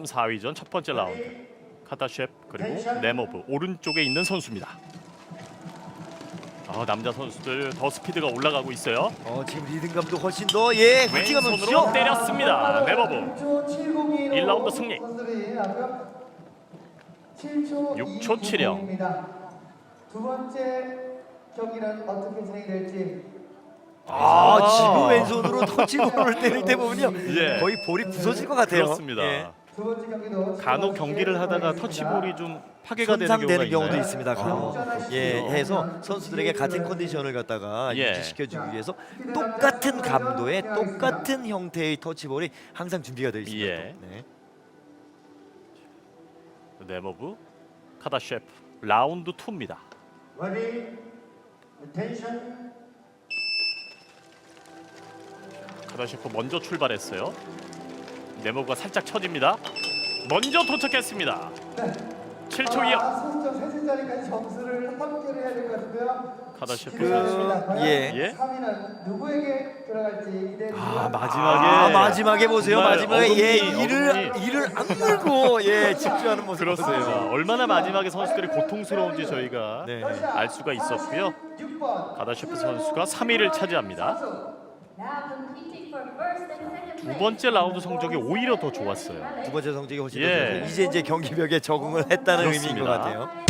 4위전 첫 번째 라운드. 카다셰프 그리고 네모브 오른쪽에 있는 선수입니다. 남자 선수들 더 스피드가 올라가고 있어요. 지금 리듬감도 훨씬 더 굵직한 왼손으로 선수죠. 때렸습니다. 네모브 1라운드 승리. 6초 7영. 두 번째 경기는 어떻게 진행될지. 지금 왼손으로 터치볼을 때릴 때 보면요, 예. 거의 볼이 부서질 것 같아요. 그렇습니다. 예. 두 번째 경기도 간혹 경기를 하다가 터치볼이 좀 파괴가 되는 손상되는 경우가 경우도 있나요? 있습니다. 간혹. 해서 선수들에게 같은 컨디션을 갖다가 예. 유지시켜주기 위해서 똑같은 감도의 똑같은 형태의 터치볼이 항상 준비가 되어 있습니다. 예. 네. 네모브 카다셰프 라운드 2입니다. Ready, attention. 카다셰프 먼저 출발했어요. 네모브가 살짝 처집니다. 먼저 도착했습니다. 7초 2영. 선수점 세 자리까지 점수를 합계를 해야 될 것 같은데요. 카다셰프 선수. 예. 3위는 누구에게 들어갈지 기대해 주시고요. 마지막에 보세요. 정말 마지막에 어금니. 이를 악물고 집중하는 모습. 그렇습니다. 얼마나 마지막에 선수들이 고통스러운지 저희가 네. 알 수가 있었고요. 6번 카다셰프 선수가 3위를 차지합니다. 두 번째 라운드 성적이 오히려 더 좋았어요. 두 번째 성적이 훨씬 예. 더 좋아서 이제 경기벽에 적응을 했다는 의미인 것 그렇습니다. 같아요.